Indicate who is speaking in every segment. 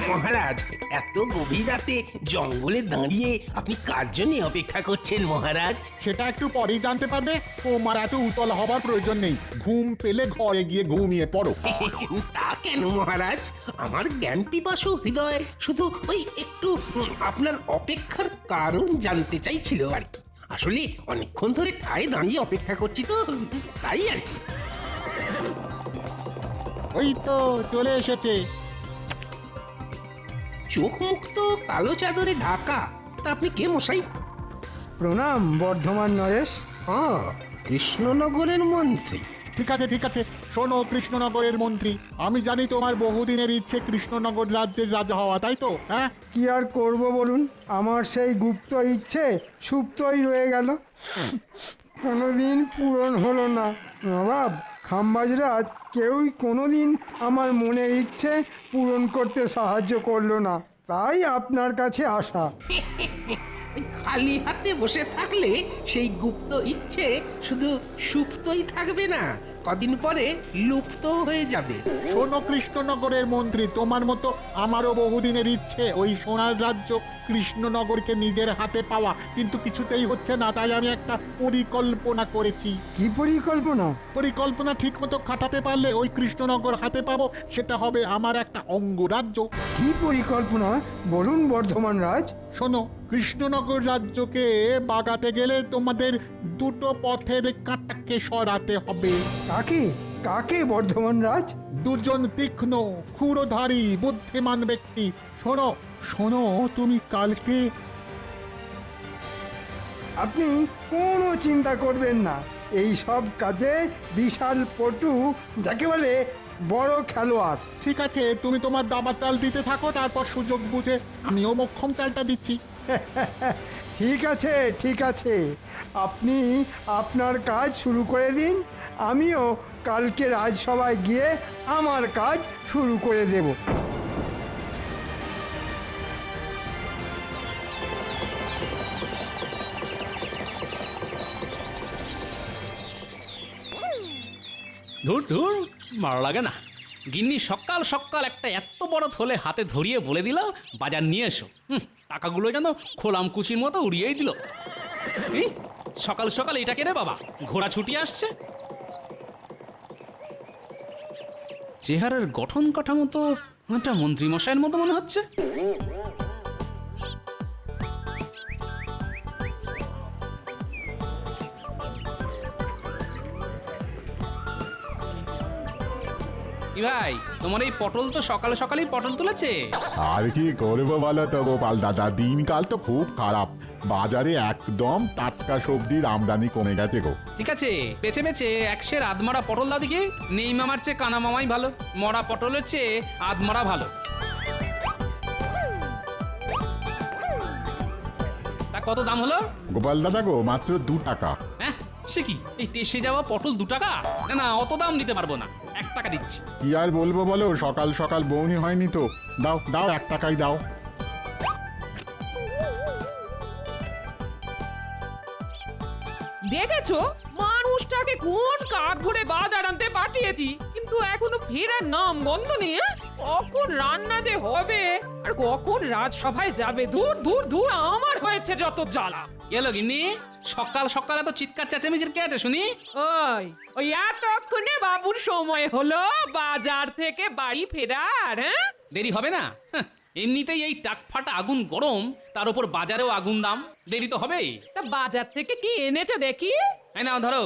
Speaker 1: মহারাজ, এত গভীর রাতে জঙ্গলে দাঁড়িয়ে আপনি কার জন্য অপেক্ষা করছেন মহারাজ?
Speaker 2: সেটা একটু পরেই জানতে পারবে। তোমার এত উতল হবার প্রয়োজন নেই, ঘুম পেলে ঘরে গিয়ে ঘুমিয়ে পড়ো।
Speaker 1: তা কেন মহারাজ? আমার জ্ঞান পিপাসু হৃদয় শুধু ওই একটু আপনার অপেক্ষার কারণ জানতে চাইছিল আর কি। আসলে অনেকক্ষণ ধরে ঠায় দাঁড়িয়ে অপেক্ষা করছি তো, তাই আর কি।
Speaker 2: ওই তো চলে এসেছে।
Speaker 1: চোখ মুখ তো কালো চাদরে ঢাকা। তা আপনি কে মশাই?
Speaker 3: প্রণাম বর্ধমান নরেশ।
Speaker 1: কৃষ্ণনগরের মন্ত্রী?
Speaker 2: ঠিক আছে ঠিক আছে, শোনো কৃষ্ণনগরের মন্ত্রী, আমি জানি তোমার বহুদিনের ইচ্ছে কৃষ্ণনগর রাজ্যের রাজা হওয়া, তাই তো? হ্যাঁ,
Speaker 3: কি আর করব বলুন, আমার সেই গুপ্ত ইচ্ছে সুপ্তই রয়ে গেল, কোনোদিন পূরণ হলো না। নবাব খাম্বাজরাজ কেউই কোনোদিন আমার মনের ইচ্ছে পূরণ করতে সাহায্য করলো না, তাই আপনার কাছে আসা।
Speaker 1: খালি হাতে বসে থাকলে সেই গুপ্ত ইচ্ছে শুধু সুপ্তই থাকবে না, কদিন পরে লুপ্ত হয়ে যাবে।
Speaker 2: শোনো কৃষ্ণনগরের মন্ত্রী, তোমার মতো আমারও বহুদিনের ইচ্ছে ওই সোনার রাজ্য কৃষ্ণনগরকে নিজের হাতে পাওয়া, কিন্তু কিছুতেই হচ্ছে না। তাই আমি একটা পরিকল্পনা করেছি।
Speaker 3: কি পরিকল্পনা?
Speaker 2: পরিকল্পনা ঠিক মতো খাটাতে পারলে ওই কৃষ্ণনগর হাতে পাবো, সেটা হবে আমার একটা অঙ্গরাজ্য।
Speaker 3: কি পরিকল্পনা বলুন বর্ধমান রাজ।
Speaker 2: শোনো, কৃষ্ণনগর রাজ্যকে বাগাতে গেলে তোমাদের দুটো পথের কাঁটাকে সরাতে হবে।
Speaker 3: কাকে কাকে বর্ধমান রাজ?
Speaker 2: দুজন তীক্ষ্ণ ক্ষুরধারী বুদ্ধিমান ব্যক্তি। শোনো শোনো, তুমি কালকে
Speaker 3: আপনি কোনো চিন্তা করবেন না, এই সব কাজে বিশাল পটু, যাকে বলে বড় খেলোয়াড়।
Speaker 2: ঠিক আছে, তুমি তোমার দাবার চাল দিতে থাকো, তারপর সুযোগ বুঝে আমিও মক্ষম চালটা দিচ্ছি।
Speaker 3: ঠিক আছে ঠিক আছে, আপনি আপনার কাজ শুরু করে দিন, আমিও কালকে রাজসভায় গিয়ে আমার কাজ শুরু করে দেব।
Speaker 4: ধুর ধুর, ভালো লাগে না। গিন্নি সকাল সকাল একটা এত বড় থলে হাতে ধরিয়ে বলে দিল বাজার নিয়ে এসো। টাকাগুলো যেন খোলাম কুচির মতো উড়িয়েই দিল। এই সকাল সকাল এটা কেনে বাবা, ঘোড়া ছুটি আসছে। চেহারার গঠন কাঠামো তো একটা মন্ত্রীমশাইয়ের মতো মনে হচ্ছে। কি ভাই, তোমার এই পটল তো সকাল সকালেই পটল তুলেছে।
Speaker 5: আর কি করবো বলো তো গোপাল দাদা, দিনকাল তো খুব খারাপ, বাজারে একদম টাটকা সবজির আমদানি কমে গেছে গো।
Speaker 4: ঠিক আছে, বেছে বেছে একশের আধমরা পটল দাও দেখি। নেই মামার চেয়ে কানা মামাই ভালো, মরা পটলের চেয়ে আধমরা ভালো। তা কত দাম হলো?
Speaker 5: গোপাল দাদা গো, মাত্র 2 টাকা।
Speaker 4: হ্যাঁ, সে কি, এই টেসে যাওয়া পটল 2 টাকা? না না, অত দাম দিতে পারবো না, 1 টাকা দিচ্ছি।
Speaker 5: কি আর বলবো বলো, সকাল সকাল বউনি হয়নি তো। দাও দাও, 1 টাকাই দাও।
Speaker 6: দেখেছো মানুষটাকে কোন কাক ভরে বাজার আনতে পাঠিয়েছি, কিন্তু এখনো ফেরার নাম গন্ধ নেই। কখন রান্না যে হবে আর কখন রাজসভায় যাবে, দূর দূর দূর, আমার হয়েছে যত জ্বালা।
Speaker 4: এলো গিন্নি, সকাল সকাল এত চিৎকার চেঁচামেচির কে আছে শুনি?
Speaker 6: ওই ওই এতক্ষণে বাবুর সময় হলো বাজার থেকে বাড়ি ফেরার। হ্যাঁ,
Speaker 4: দেরি হবে না? এমনিতেই এই টাকফাটা আগুন গরম, তার উপর বাজারেও আগুন দাম, দেরি তো হবেই।
Speaker 6: তা বাজার থেকে কি এনেছো দেখি?
Speaker 4: এই নাও ধরো।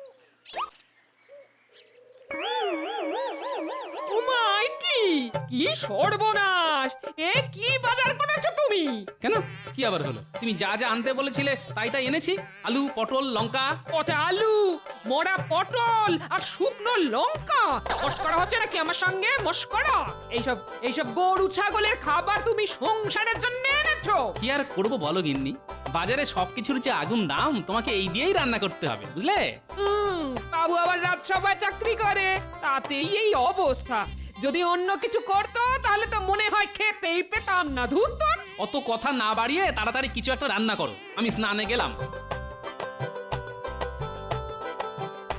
Speaker 6: উমাই, কি কি সর্বনাশ! এ কি বাজার করেছো তুমি?
Speaker 4: কেন, কি আবার হলো? তুমি যা যা আনতে বলেছিলে তাই তাই এনেছি। আলু, পটল, লঙ্কা।
Speaker 6: পচা আলু, মোড়া পটল আর শুকনো লঙ্কা। মস্করা হচ্ছে নাকি আমার সঙ্গে? মস্করা? এইসব এইসব গরু ছাগলের খাবার তুমি সংসারের জন্য এনেছো?
Speaker 4: কি আর করবো বলো গিন্নি, বাজারে সবকিছুর যে আগুন দাম, তোমাকে এই দিয়েই রান্না করতে হবে, বুঝলে?
Speaker 6: বাবু আবার রাজসভায় চাকরি করে, তাতেই এই অবস্থা। যদি অন্য কিছু করতো তাহলে তো মনে হয় খেতেই পেতাম না। ধুর তোর।
Speaker 4: অত কথা না বাড়িয়ে তাড়াতাড়ি কিছু একটা রান্না করো, আমি স্নানে গেলাম।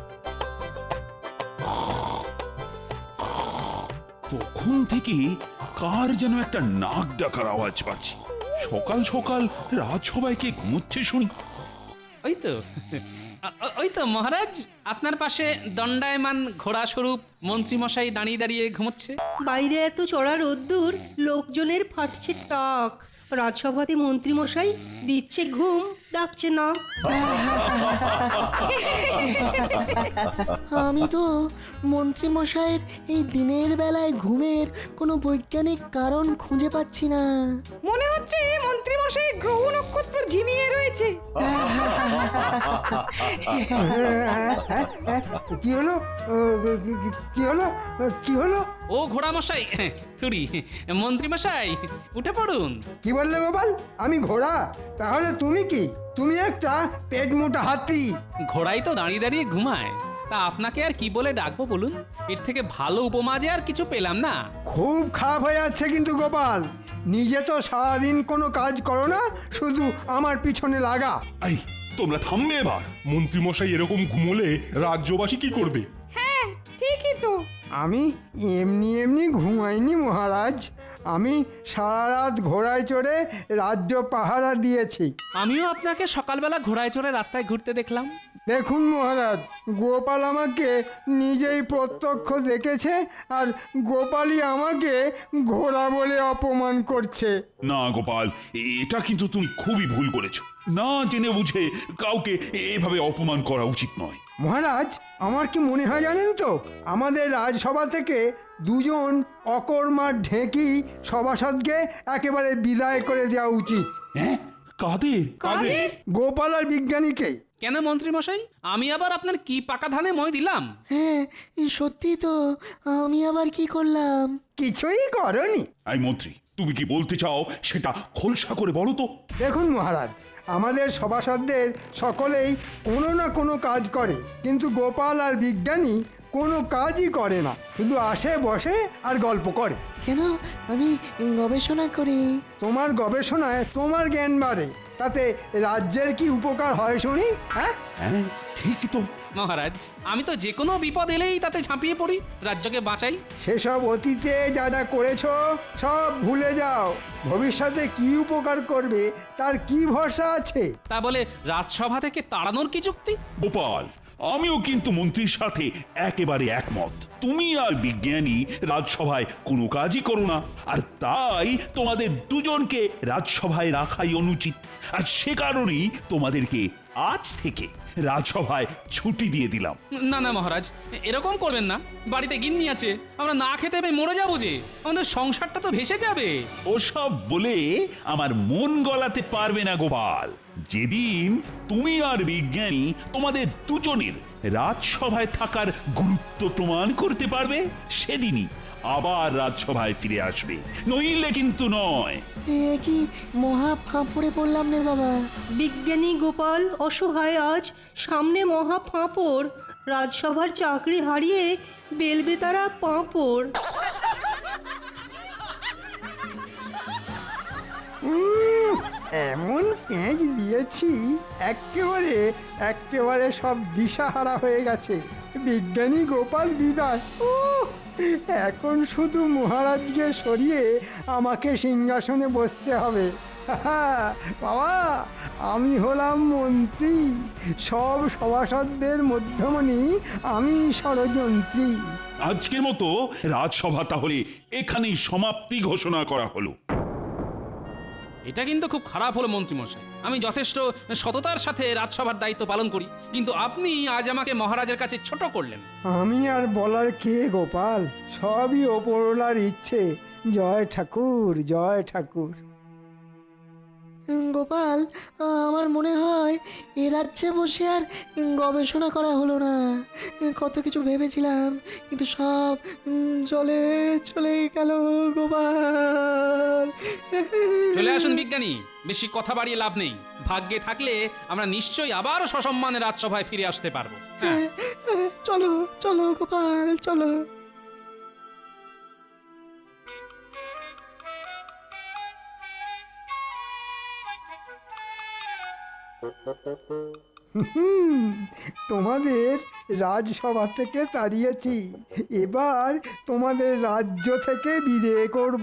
Speaker 7: তখন থেকে কার যেন একটা নাক ডাকার আওয়াজ পাচ্ছি। সকাল সকাল রাজসভায় কে ঘুমোচ্ছে শুনি।
Speaker 4: ওই তো ওই তো মহারাজ, আপনার পাশে দণ্ডায়মান ঘোড়া স্বরূপ মন্ত্রীমশাই দাঁড়িয়ে দাঁড়িয়ে ঘুমোচ্ছে।
Speaker 8: বাইরে এত চড়া রোদ্দুর, লোকজনের ফাটছে টাক, রাজসভাতে মন্ত্রীমশাই দিচ্ছে ঘুম, ডাকছে না।
Speaker 9: আমি তো মন্ত্রী মশাইয়ের এই দিনের বেলায় ঘুমের কোনো বৈজ্ঞানিক কারণ খুঁজে পাচ্ছি না।
Speaker 6: মনে হচ্ছে মন্ত্রী মশাই গ্রহ নক্ষত্র ঝিমিয়ে রয়েছে।
Speaker 3: কি হলো কি হলো কি হলো?
Speaker 4: ও ঘোড়া মশাই, সরি মন্ত্রী মশাই, উঠে পড়ুন।
Speaker 3: কি বললে গোপাল? আমি ঘোড়া? তাহলে তুমি কি? তুমি একটা পেট মোটা হাতি।
Speaker 4: ঘোড়াই তো দাঁড়িয়ে দাঁড়িয়ে ঘুমায়, তা আপনাকে আর কি বলে ডাকবো বলুন? এর থেকে ভালো উপমা যে আর কিছু পেলাম না।
Speaker 3: খুব খারাপ হয়ে যাচ্ছে কিন্তু গোপাল, নিজে তো সারাদিন কোনো কাজ করো না, শুধু আমার পিছনে লাগা।
Speaker 7: এই তোমরা থামবে এবার।
Speaker 10: মন্ত্রীমশাই এরকম ঘুমোলে রাজ্যবাসী কি করবে?
Speaker 6: ঠিকই তো।
Speaker 3: আমি এমনি এমনি ঘুমাইনি মহারাজ, আমি সারা রাত ঘোড়ায় চড়ে রাজ্য পাহারা দিয়েছি।
Speaker 4: আমিও আপনাকে সকালবেলা ঘোড়ায় চড়ে রাস্তায় ঘুরতে দেখলাম।
Speaker 3: দেখুন মহারাজ, গোপাল আমাকে নিজেই প্রত্যক্ষ দেখেছে, আর গোপালই আমাকে ঘোড়া বলে অপমান করছে।
Speaker 7: না গোপাল, এটা কিন্তু তুমি খুবই ভুল করেছো। না জেনে বুঝে কাউকে এভাবে অপমান করা উচিত নয়।
Speaker 3: মহারাজ, আমার কি মনে হয় জানেন তো, আমাদের রাজসভা থেকে দুজন অকর্মার ঢেঁকি সভাসদকে একেবারে বিদায় করে দেওয়া উচিত।
Speaker 7: হ্যাঁ, কাদের?
Speaker 3: গোপাল আর বিজ্ঞানীকে।
Speaker 4: কেন মন্ত্রী মশাই, আমি আবার আপনার কি পাকা ধানে মই দিলাম?
Speaker 9: হ্যাঁ, সত্যি তো, আমি আবার কি করলাম?
Speaker 3: কিছুই করনি।
Speaker 7: এই মন্ত্রী, তুমি কি বলতে চাও সেটা খোলসা করে বলো তো।
Speaker 3: দেখুন মহারাজ, আমাদের সভাসদদের সকলেই কোনো না কোনো কাজ করে, কিন্তু গোপাল আর বিজ্ঞানী কোনো কাজই করে না, শুধু আসে বসে আর গল্প করে।
Speaker 9: কেন? আমি গবেষণা করি।
Speaker 3: তোমার গবেষণায় তোমার জ্ঞান বাড়ে, তাতে রাজ্যের কি উপকার হয় শুনি? হ্যাঁ,
Speaker 7: হ্যাঁ ঠিকই তো।
Speaker 4: মহারাজ, আমি তো যে কোনো বিপদ এলেই তাতে ঝাঁপিয়ে পড়ি, রাজ্যকে বাঁচাই।
Speaker 3: সেসব অতীতে যা যা করেছো সব ভুলে যাও। ভবিষ্যতে কি উপকার করবে তার কি ভরসা আছে?
Speaker 4: তা বলে রাজসভা থেকে তাড়ানোর কি যুক্তি?
Speaker 7: গোপাল, আমিও কিন্তু মন্ত্রীর সাথে একেবারে একমত। তুমি আর বিজ্ঞানী রাজসভায় কোনো কাজই করো না, আর তাই তোমাদের দুজনকে রাজসভায় রাখাই অনুচিত। আর সে কারণেই তোমাদেরকে আজ থেকে রাজসভায় ছুটি দিয়ে দিলাম।
Speaker 4: না না মহারাজ, এরকম করবেন না। বাড়িতে গিন্নি আছে, আমরা না খেতে পেয়ে মরে যাবো যে, আমাদের সংসারটা তো ভেসে যাবে।
Speaker 7: ওসব বলে আমার মন গলাতে পারবে না গোপাল। যেদিন তুমি আর বিজ্ঞানী তোমাদের দুজনের রাজসভায় থাকার গুরুত্ব প্রমাণ করতে পারবে, সেদিনই আবার রাজসভায় ফিরে আসবে, নইলে কিন্তু নয়।
Speaker 9: এ কি মহা ফাঁপড়ে পড়লাম রে বাবা।
Speaker 8: বিজ্ঞানী গোপাল অসহায় আজ, সামনে মহা ফাঁপড়, রাজসভার চাকরি হারিয়ে বেলবে তারা পাঁপড়।
Speaker 3: এমন পেঁচ দিয়েছি একেবারে একেবারে সব দিশাহারা হয়ে গেছে। বিজ্ঞানী গোপাল বিদায়। এখন শুধু মহারাজকে সরিয়ে আমাকে সিংহাসনে বসতে হবে। বাবা, আমি হলাম মন্ত্রী, সব সভাসদদের মধ্যমণি আমি ষড়যন্ত্রী।
Speaker 7: আজকের মতো রাজসভা তাহলে এখানেই সমাপ্তি ঘোষণা করা হলো।
Speaker 4: এটা কিন্তু খুব খারাপ হলো মন্ত্রীমশাই। আমি যথেষ্ট সততার সাথে রাজসভার দায়িত্ব পালন করি, কিন্তু আপনি আজ আমাকে মহারাজের কাছে ছোট করলেন।
Speaker 3: আমি আর বলার কে গোপাল, সবই ওপরওয়ালার ইচ্ছে। জয় ঠাকুর, জয় ঠাকুর।
Speaker 9: গোপাল, আমার মনে হয় এ রাজ্যে বসে আর গবেষণা করা হলো না। কত কিছু ভেবেছিলাম, কিন্তু সব জলে চলে গেল গোপাল।
Speaker 4: চলে আসুন বিজ্ঞানী, বেশি কথা বাড়িয়ে লাভ নেই। ভাগ্যে থাকলে আমরা নিশ্চয়ই আবার সসম্মানে রাজসভায় ফিরে আসতে পারবো। হ্যাঁ,
Speaker 9: চলো চলো গোপাল, চলো।
Speaker 3: তোমাদের রাজসভা থেকে তাড়িয়েছি, এবার তোমাদের রাজ্য থেকে বিদায় করব।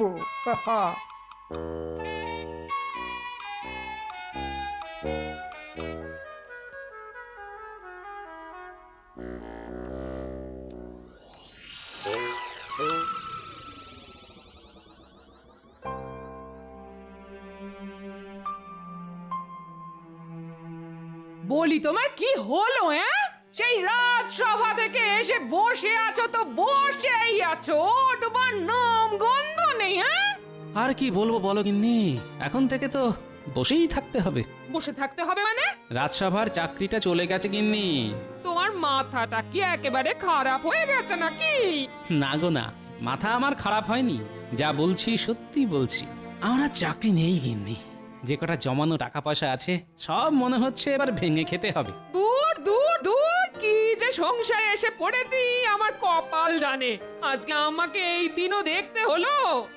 Speaker 6: বলি তোমার কি হলো? সেই রাজসভা থেকে এসে বসে আছো তো বসেই আছো, ওঠবার নাম গন্ধ নেই।
Speaker 4: আর কি বলবো বলো গিন্নি, এখন থেকে তো বসেই থাকতে হবে।
Speaker 6: বসে থাকতে হবে মানে?
Speaker 4: রাজসভার চাকরিটা চলে গেছে গিন্নি।
Speaker 6: তোমার মাথাটা কি একেবারে খারাপ হয়ে গেছে নাকি?
Speaker 4: না গো না, মাথা আমার খারাপ হয়নি, যা বলছি সত্যি বলছি। আমার আর চাকরি নেই গিন্নি, যে কটা জমানো টাকা পয়সা আছে সব মনে হচ্ছে এবার ভেঙে খেতে হবে।
Speaker 6: দূর দূর দূর, কি যে সংসারে এসে পড়েছি আমার কপাল জানে। আজকে আমাকে এই দিনও দেখতে হলো।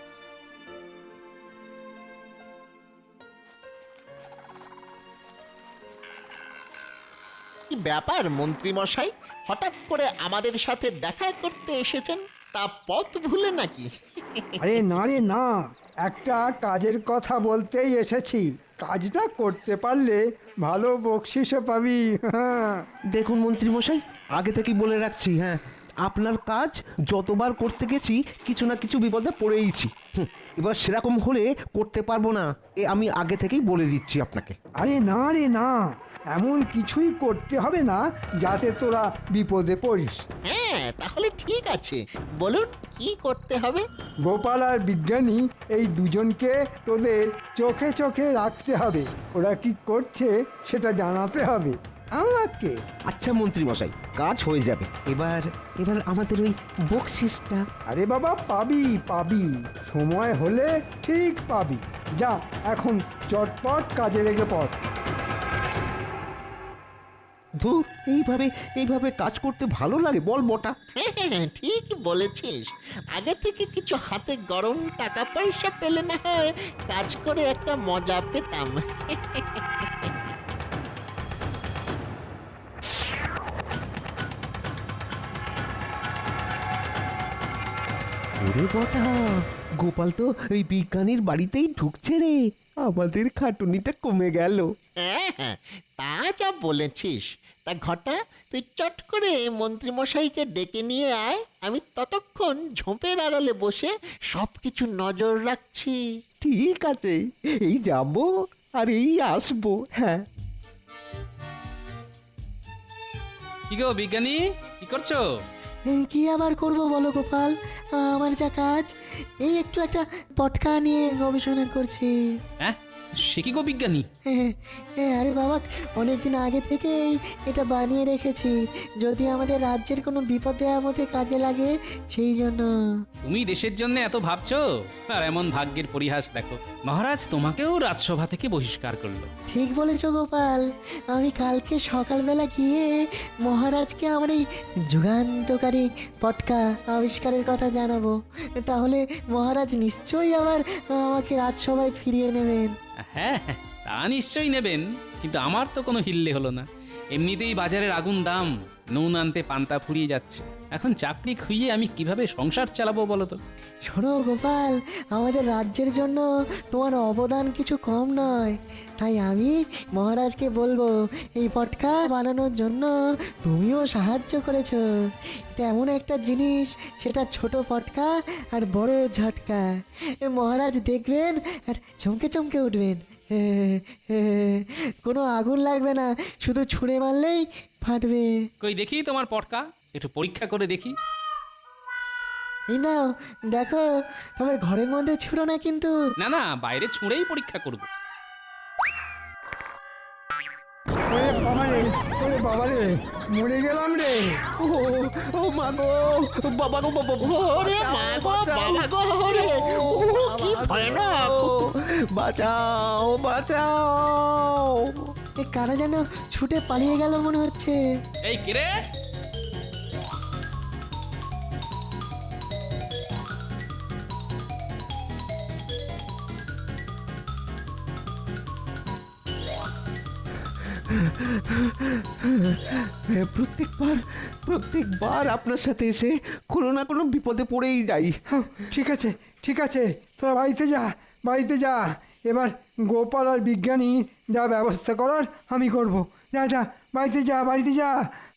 Speaker 11: কি ব্যাপার মন্ত্রী মশাই, হঠাৎ করে আমাদের সাথে দেখা করতে এসেছেন? তা পথ ভুলে নাকি?
Speaker 3: আরে না রে না, একটা কাজের কথা বলতেই এসেছি। কাজটা করতে পারলে ভালো বকশিসও পাবি। হ্যাঁ,
Speaker 12: দেখুন মন্ত্রীমশাই, আগে থেকেই বলে রাখছি, হ্যাঁ, আপনার কাজ যতবার করতে গেছি কিছু না কিছু বিপদে পড়েইছি। এবার সেরকম হলে করতে পারবো না, আমি আগে থেকেই বলে দিচ্ছি আপনাকে।
Speaker 3: আরে না রে না, এমন কিছুই করতে হবে না যাতে তোরা বিপদে পড়িস।
Speaker 11: হ্যাঁ, তাহলে ঠিক আছে, বলুন কি করতে হবে?
Speaker 3: গোপাল আর বিজ্ঞানী এই দুজনকে তোদের চোখে চোখে রাখতে হবে। ওরা কি করছে সেটা জানাতে হবে আমাকে।
Speaker 12: আচ্ছা মন্ত্রীমশাই, কাজ হয়ে যাবে। এবার এবার আমাদের ওই বকশিসটা।
Speaker 3: আরে বাবা, পাবি পাবি, সময় হলে ঠিক পাবি। যা এখন চটপট কাজে লেগে পড়।
Speaker 12: ধুর, এইভাবে কাজ করতে ভালো লাগে বল বটা?
Speaker 11: হ্যাঁ, ঠিক বলেছিস। আগে থেকে কিছু হাতে গরম টাকা পয়সা পেলে না হয় কাজ করে একটা মজা পেতাম।
Speaker 12: ওরে বটা, গোপাল তো ওই বিজ্ঞানীর বাড়িতেই ঢুকছে রে, আমাদের খাটুনিটা কমে গেল।
Speaker 11: হ্যাঁ, তা যা বলেছিস। তা ঘটা, তুই চট করে মন্ত্রীমশাইকে ডেকে নিয়ে আয়, আমি ততক্ষণ ঝোপের আড়ালে বসে সব কিছু নজর রাখছি।
Speaker 12: ঠিক আছে, এই যাব আর এই আসবো। হ্যাঁ।
Speaker 4: কি গো বিজ্ঞানী, কি করছো?
Speaker 9: কি আবার করব বলো গোপাল, আমার যা কাজ, এই একটু একটা পটকা নিয়ে গবেষণা করছি।
Speaker 4: হ্যাঁ, সে কি গো বিজ্ঞানী?
Speaker 9: আরে বাবা, অনেকদিন আগে থেকেই এটা বানিয়ে রেখেছি, যদি আমাদের রাজ্যের কোনো বিপদে আপদে কাজে লাগে সেই জন্য।
Speaker 4: তুমি দেশের জন্য এত ভাবছো, আর এমন ভাগ্যের পরিহাস দেখো, মহারাজ তোমাকেও রাজসভা থেকে বহিষ্কার করলো।
Speaker 9: ঠিক বলেছো গোপাল, আমি কালকে সকালবেলা গিয়ে মহারাজকে আমার এই যুগান্তকারী পটকা আবিষ্কারের কথা জানাবো, তাহলে মহারাজ নিশ্চয়ই আবার আমাকে রাজসভায় ফিরিয়ে নেবেন।
Speaker 4: হ্যাঁ হ্যাঁ, তা নিশ্চয়ই নেবেন, কিন্তু আমার তো কোনো হিল্লে হলো না। এমনিতেই বাজারের আগুন দাম, নুন আনতে পান্তা ফুরিয়ে যাচ্ছে, এখন চাকরি খুইয়ে আমি কিভাবে সংসার চালাবো বলো তো?
Speaker 9: শোনো গোপাল, আমাদের রাজ্যের জন্য তোমার অবদান কিছু কম নয়, তাই আমি মহারাজকে বলবো এই পটকা বানানোর জন্য তুমিও সাহায্য করেছো। এটা এমন একটা জিনিস, সেটা ছোট পটকা আর বড় ঝটকা, মহারাজ দেখবেন আর চমকে চমকে উঠবেন। কোনো আগুন লাগবে না, শুধু ছুঁড়ে মারলেই ফাটবে।
Speaker 4: কই দেখি তোমার পটকা, একটু পরীক্ষা করে দেখি।
Speaker 9: এই নাও দেখো, তবে ঘরের মধ্যে ছুঁড়ো না কিন্তু।
Speaker 4: না না, বাইরে ছুঁড়েই পরীক্ষা করব।
Speaker 3: ওরে বাবারে, ওরে বাবারে, মরে গেলাম রে।
Speaker 12: ও মা গো, বাবা গো, বাবা গো,
Speaker 11: ওরে মা গো, বাবা গো, ওরে, কি ভয়ানক!
Speaker 12: বাঁচাও বাঁচাও।
Speaker 9: এ কারা যেন ছুটে পালিয়ে গেল মনে হচ্ছে।
Speaker 4: এই কিরে,
Speaker 12: প্রত্যেকবার আপনার সাথে এসে কোনো না কোনো বিপদে পড়েই যাই।
Speaker 3: হ্যাঁ, ঠিক আছে তোরা বাড়িতে যা বাড়িতে যা। এবার গোপাল আর বিজ্ঞানী যা ব্যবস্থা করার আমি করব। যা যা বাড়িতে যা বাড়িতে যা।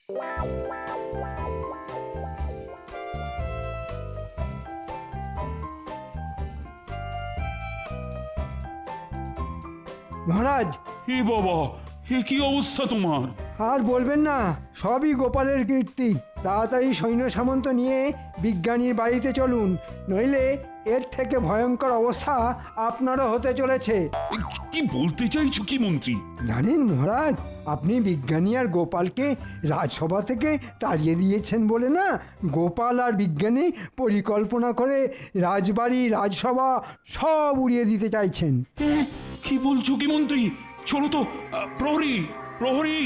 Speaker 3: মহারাজ,
Speaker 7: হে বাবা, হে কি অবস্থা তোমার?
Speaker 3: আর বলবেন না, সবই গোপালের কীর্তি। তাড়াতাড়ি সৈন্য সামন্ত নিয়ে বিজ্ঞানীর বাড়িতে চলুন, নইলে এর থেকে ভয়ঙ্কর অবস্থা আপনারও হতে চলেছে।
Speaker 7: কি বলতে চাইছো কি মন্ত্রী?
Speaker 3: জানেন মহারাজ, আপনি বিজ্ঞানী আর গোপালকে রাজসভা থেকে তাড়িয়ে দিয়েছেন বলে না, গোপাল আর বিজ্ঞানী পরিকল্পনা করে রাজবাড়ি রাজসভা সব উড়িয়ে দিতে চাইছেন।
Speaker 7: কি বলছো কি মন্ত্রী? চলো তো, প্রহরী প্রহরী।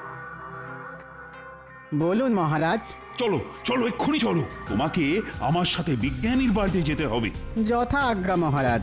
Speaker 13: বলুন মহারাজ।
Speaker 7: চলো চলো, এক্ষুনি চলো, তোমাকে আমার সাথে বিজ্ঞানীর বাড়িতে যেতে হবে।
Speaker 13: যথা আজ্ঞা মহারাজ।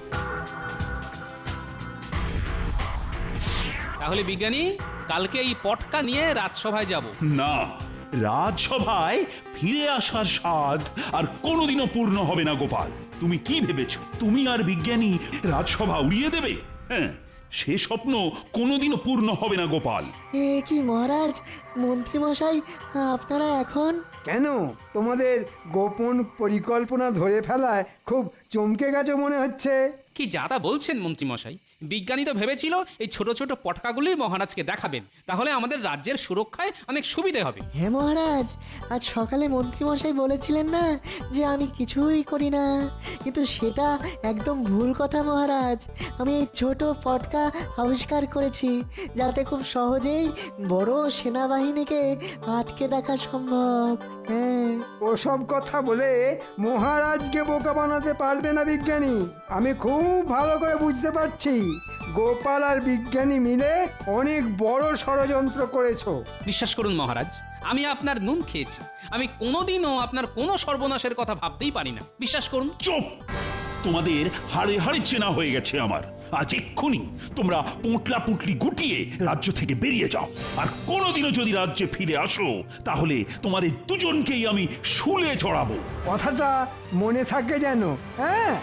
Speaker 4: তাহলে বিজ্ঞানী, কালকে এই পটকা নিয়ে রাজসভায় যাব।
Speaker 7: না, রাজসভায় ফিরে আসার স্বাদ আর কোনোদিনও পূর্ণ হবে না গোপাল। তুমি কি ভেবেছো তুমি আর বিজ্ঞানী রাজসভা উড়িয়ে দেবে? হ্যাঁ, সে স্বপ্ন কোনোদিনও পূর্ণ হবে না গোপাল।
Speaker 9: এ কি মহারাজ, মন্ত্রীমশাই আপনারা এখন?
Speaker 3: কেন, তোমাদের গোপন পরিকল্পনা ধরে ফেলায় খুব চমকে গেছে মনে হচ্ছে।
Speaker 4: কি যাতা বলছেন মন্ত্রীমশাই? বিজ্ঞানী তো ভেবেছিল এই ছোট ছোট পটকাগুলি মহারাজকে দেখাবেন, তাহলে আমাদের রাজ্যের সুরক্ষায় অনেক সুবিধে হবে।
Speaker 9: হ্যাঁ মহারাজ, আজ সকালে মন্ত্রীমশাই বলেছিলেন না যে আমি কিছুই করি না, কিন্তু সেটা একদম ভুল কথা মহারাজ। আমি এই ছোট পটকা আবিষ্কার করেছি যাতে খুব সহজেই বড় সেনাবাহিনীকে আটকে রাখা সম্ভব। হ্যাঁ,
Speaker 3: ওসব কথা বলে মহারাজকে বোকা বানাতে পারবে না বিজ্ঞানী। আমি খুব ভালো করে বুঝতে পারছি, গোপাল আর বিজ্ঞানী মিলে অনেক বড় ষড়যন্ত্র করেছো।
Speaker 4: বিশ্বাস করুন মহারাজ, আমি আপনার নুন খেয়েছি। আমি কোনোদিনও আপনার কোনো সর্বনাশের কথা ভাবতেই পারি না, বিশ্বাস করুন।
Speaker 7: চুপ! তোমাদের হাড়ে হাড়ে চেনা হয়ে গেছে আমার। আজ এক্ষুনি তোমরা পোঁটলা পুঁটলি গুটিয়ে রাজ্য থেকে বেরিয়ে যাও, আর কোনোদিনও যদি রাজ্যে ফিরে আসো তাহলে তোমাদের দুজনকেই আমি শুলে চড়াবো।
Speaker 3: কথাটা মনে থাকে যেন। হ্যাঁ,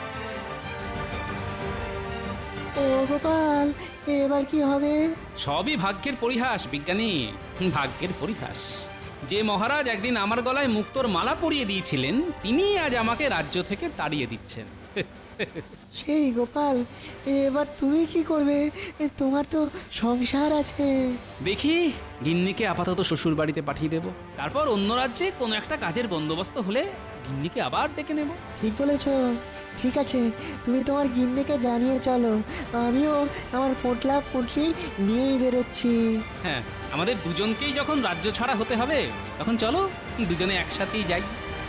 Speaker 9: ও গোপাল, এবার কি হবে?
Speaker 4: সবই ভাগ্যের পরিহাস বিজ্ঞানী, ভাগ্যের পরিহাস। যে মহারাজ একদিন আমার গলায় মুক্তোর মালা পরিয়ে দিয়েছিলেন, তিনি আজ আমাকে রাজ্য থেকে তাড়িয়ে দিচ্ছেন।
Speaker 9: সেই গোপাল, এবার তুমি কি করবে? তোমার তো সংসার আছে।
Speaker 4: দেখি, গিন্নিকে আপাতত শ্বশুর বাড়িতে পাঠিয়ে দেব, তারপর অন্য রাজ্যে কোনো একটা কাজের বন্দোবস্ত হলে গিন্নিকে আবার ডেকে নেব।
Speaker 9: ঠিক বলেছ। ঠিক আছে, তুমি তোমার গিন্নিকে জানিয়ে চলো, আমিও আমার পোটলা পুটলি নিয়েই বেরোচ্ছি।
Speaker 4: হ্যাঁ, আমাদের দুজনকেই যখন রাজ্য ছাড়া হতে হবে, তখন চলো দুজনে একসাথেই যাই।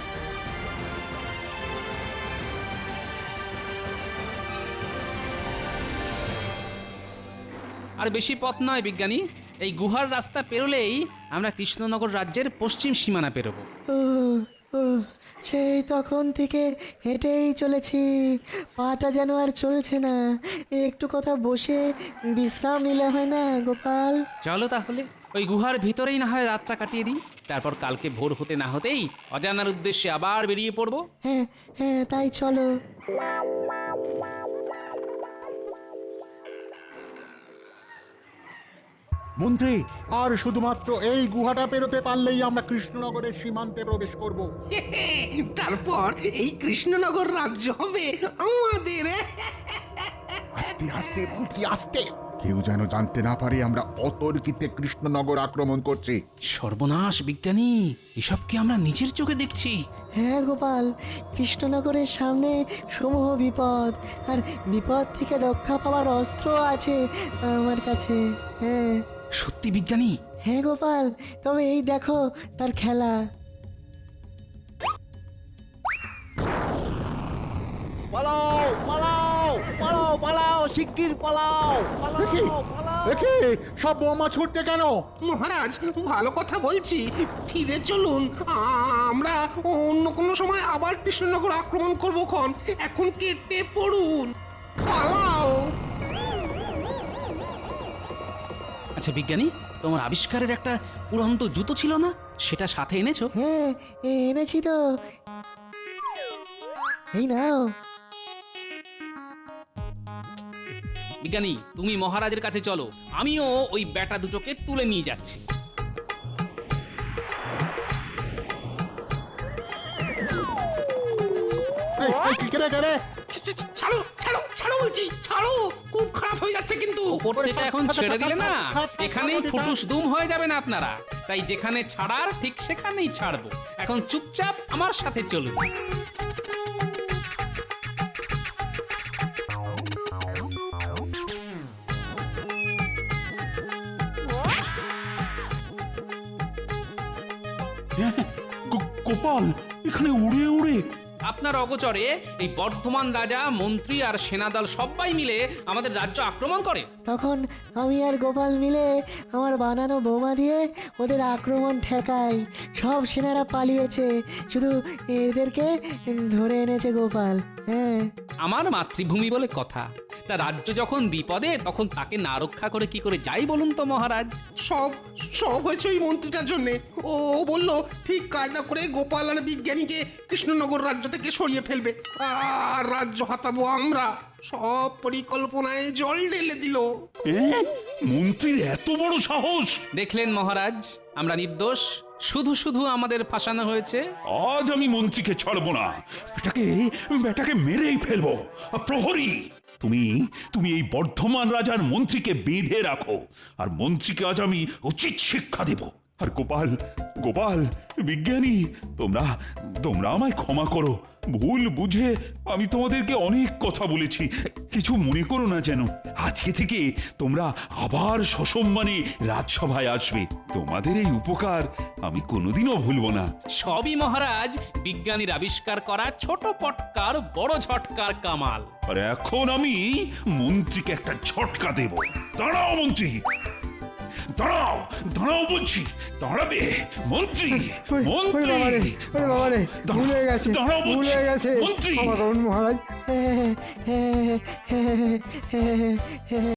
Speaker 4: আর বেশি পথ নয় বিজ্ঞানী, এই গুহার রাস্তা পেরোলেই আমরা কৃষ্ণনগর রাজ্যের পশ্চিম সীমানা পেরোবো।
Speaker 9: ও ও, সেই তখন থেকে হেঁটেই চলেছি, পাটা যেন আর চলছে না। একটু কথা বসে বিশ্রাম নিলে হয় না গোপাল?
Speaker 4: চলো তাহলে ওই গুহার ভিতরেই না হয় রাতটা কাটিয়ে দিই, তারপর কালকে ভোর হতে না হতেই অজানার উদ্দেশ্যে আবার বেরিয়ে পড়বো।
Speaker 9: হ্যাঁ হ্যাঁ, তাই চলো।
Speaker 2: মন্ত্রী, আর শুধুমাত্র এই গুহাটা পেরোতে পারলেই আমরা কৃষ্ণনগরের সীমান্তে প্রবেশ করব।
Speaker 1: তারপর এই কৃষ্ণনগর রাজ্য হবে আমাদের।
Speaker 5: আস্তে আস্তে মন্ত্রী, আস্তে। কেউ যেন জানতে না পারে আমরা অতর্কিতে কৃষ্ণনগর আক্রমণ করছি।
Speaker 4: সর্বনাশ বিজ্ঞানী, এসব কি আমরা নিজের চোখে দেখছি?
Speaker 9: হ্যাঁ গোপাল, কৃষ্ণনগরের সামনে সমূহ বিপদ, আর বিপদ থেকে রক্ষা পাওয়ার অস্ত্র আছে আমার কাছে। হ্যাঁ
Speaker 4: সত্যি বিজ্ঞানী?
Speaker 9: হ্যাঁ গোপাল, তবে এই দেখো তার খেলা।
Speaker 12: পালাও পালাও পালাও পালাও, শিগগির পালাও
Speaker 2: দেখি সব বোমা ছুটতে কেন?
Speaker 1: মহারাজ, ভালো কথা বলছি, ফিরে চলুন। আমরা অন্য কোনো সময় আবার কৃষ্ণনগর আক্রমণ করবো খন। এখন কেটে পড়ুন, পালাও।
Speaker 4: আচ্ছা বিজ্ঞানী, তোমার আবিষ্কারের একটা উড়ন্ত জুতো ছিল না, সেটা সাথে এনেছো?
Speaker 9: হ্যাঁ এনেছি তো, এই নাও।
Speaker 4: বিজ্ঞানী, তুমি মহারাজের কাছে চলো, আমিও ওই ব্যাটা দুটোকে তুলে নিয়ে যাচ্ছি।
Speaker 2: কেড়ে কেড়ে
Speaker 1: ছাড়ো ছাড়ো ছাড়ো বলছি, ছাড়ো, খুব খারাপ হয়ে যাচ্ছে কিন্তু।
Speaker 4: ওপর থেকে এখন ছেড়ে দিলে না, এখানেই ফুটুস দুম হয়ে যাবেন আপনারা। তাই যেখানে ছাড়ার ঠিক সেখানেই ছাড়বো। এখন চুপচাপ আমার সাথে চলুন।
Speaker 7: গোপাল, এখানে উড়ে উড়ে
Speaker 4: আপনার অগোচরে এই বর্ধমান রাজা, মন্ত্রী আর সেনাদল সবাই মিলে আমাদের রাজ্য আক্রমণ করে।
Speaker 9: তখন আমি আর গোপাল মিলে আমার বানানো বোমা দিয়ে ওদের আক্রমণ ঠেকাই। সব সেনারা পালিয়েছে, শুধু এদেরকে ধরে এনেছে গোপাল। হ্যাঁ,
Speaker 4: আমার মাতৃভূমি বলে কথা। তা রাজ্য যখন বিপদে, তখন তাকে না রক্ষা করে কি করে যাই বলুন তো মহারাজ?
Speaker 1: সব সব হয়েছে ওই মন্ত্রীটার জন্যে। ও বললো ঠিক কায়দা করে গোপাল আর বিজ্ঞানীকে কৃষ্ণনগর রাজ্য থেকে সরিয়ে ফেলবে, আর রাজ্য হাতাবো আমরা। সব পরিকল্পনায় জল ঢেলে দিল।
Speaker 7: মন্ত্রীর এত বড় সাহস!
Speaker 4: দেখলেন মহারাজ, আমরা নির্দোষ, শুধু শুধু আমাদের ফাঁসানো হয়েছে।
Speaker 7: আজ আমি মন্ত্রীকে ছাড়বো না, বেটাকে মেরেই ফেলবো। প্রহরী, তুমি এই বর্ধমান রাজার মন্ত্রীকে বেঁধে রাখো, আর মন্ত্রীকে আজ আমি উচিত শিক্ষা দেব। আর গোপাল, বিজ্ঞানী, তোমরা আমায় ক্ষমা করো। ভুল বুঝে আমি তোমাদেরকে অনেক কথা বলেছি, কিছু মনে করো না যেন। আজকে থেকে তোমরা আবার সসম্মানে রাজসভায় আসবে। তোমাদের এই উপকার আমি কোনোদিনও ভুলবো না।
Speaker 4: সবই মহারাজ বিজ্ঞানীর আবিষ্কার করা ছোট পটকার বড় ঝটকার কামাল।
Speaker 7: আর এখন আমি মন্ত্রীকে একটা ঝটকা দেব। দাঁড়াও মন্ত্রী, দাঁড়াও বলছি, দাঁড়াবে মন্ত্রী।
Speaker 3: ভুলে গেছে
Speaker 7: মন্ত্রী,
Speaker 3: মহারাজ।